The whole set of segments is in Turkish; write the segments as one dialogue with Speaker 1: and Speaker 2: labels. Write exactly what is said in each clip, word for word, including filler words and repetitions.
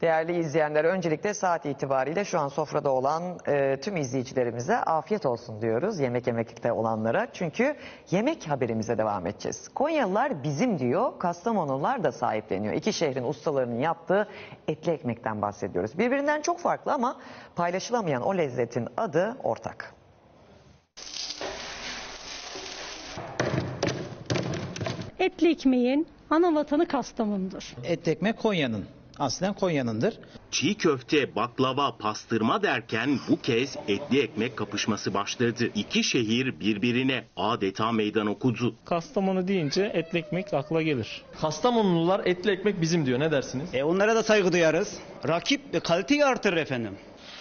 Speaker 1: Değerli izleyenler, öncelikle saat itibariyle şu an sofrada olan e, tüm izleyicilerimize afiyet olsun diyoruz, yemek yemekte olanlara. Çünkü yemek haberimize devam edeceğiz. Konyalılar bizim diyor, Kastamonular da sahipleniyor. İki şehrin ustalarının yaptığı etli ekmekten bahsediyoruz. Birbirinden çok farklı ama paylaşılamayan o lezzetin adı ortak.
Speaker 2: Etli ekmeğin ana vatanı Kastamonu'dur.
Speaker 3: Etli ekmek Konya'nın. Aslen Konya'nındır.
Speaker 4: Çiğ köfte, baklava, pastırma derken bu kez etli ekmek kapışması başladı. İki şehir birbirine adeta meydan okudu.
Speaker 5: Kastamonu deyince etli ekmek akla gelir.
Speaker 6: Kastamonulular etli ekmek bizim diyor. Ne dersiniz?
Speaker 7: E onlara da saygı duyarız. Rakip ve kaliteyi artırır efendim.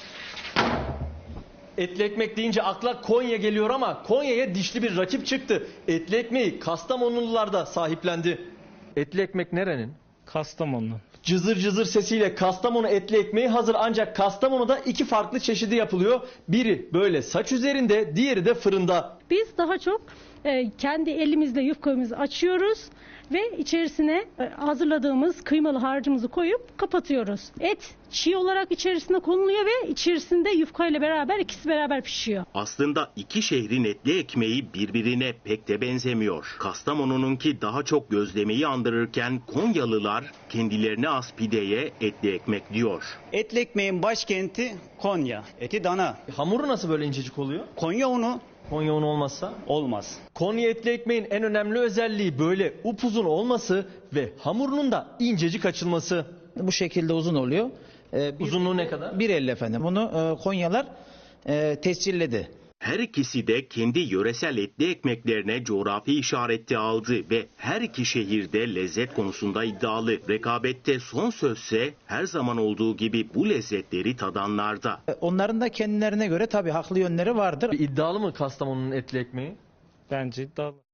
Speaker 6: Etli ekmek deyince akla Konya geliyor ama Konya'ya dişli bir rakip çıktı. Etli ekmeği Kastamonulular da sahiplendi. Etli ekmek nerenin?
Speaker 5: Kastamonu.
Speaker 6: Cızır cızır sesiyle Kastamonu etli ekmeği hazır, ancak Kastamonu'da iki farklı çeşidi yapılıyor. Biri böyle saç üzerinde, diğeri de fırında.
Speaker 2: Biz daha çok e, kendi elimizle yufkamızı açıyoruz ve içerisine e, hazırladığımız kıymalı harcımızı koyup kapatıyoruz. Et çiğ olarak içerisine konuluyor ve içerisinde yufkayla beraber ikisi beraber pişiyor.
Speaker 4: Aslında iki şehrin etli ekmeği birbirine pek de benzemiyor. Kastamonu'nunki daha çok gözlemeyi andırırken Konyalılar kendilerine az pideye etli ekmek diyor.
Speaker 7: Etli ekmeğin başkenti Konya. Eti dana.
Speaker 6: Hamuru nasıl böyle incecik oluyor?
Speaker 7: Konya unu
Speaker 6: Konya unu olmazsa?
Speaker 7: olmaz.
Speaker 6: Konya etli ekmeğin en önemli özelliği böyle upuzun olması ve hamurunun da incecik açılması.
Speaker 3: Bu şekilde uzun oluyor. Ee, bir,
Speaker 6: Uzunluğu ne kadar?
Speaker 3: bir elli efendim. Bunu e, Konyalar e, tescilledi.
Speaker 4: Her ikisi de kendi yöresel etli ekmeklerine coğrafi işareti aldı ve her iki şehirde lezzet konusunda iddialı. Rekabette son sözse her zaman olduğu gibi bu lezzetleri tadanlarda.
Speaker 3: E, Onların da kendilerine göre tabii haklı yönleri vardır.
Speaker 6: İddialı mı Kastamonu'nun etli ekmeği?
Speaker 5: Bence iddialı.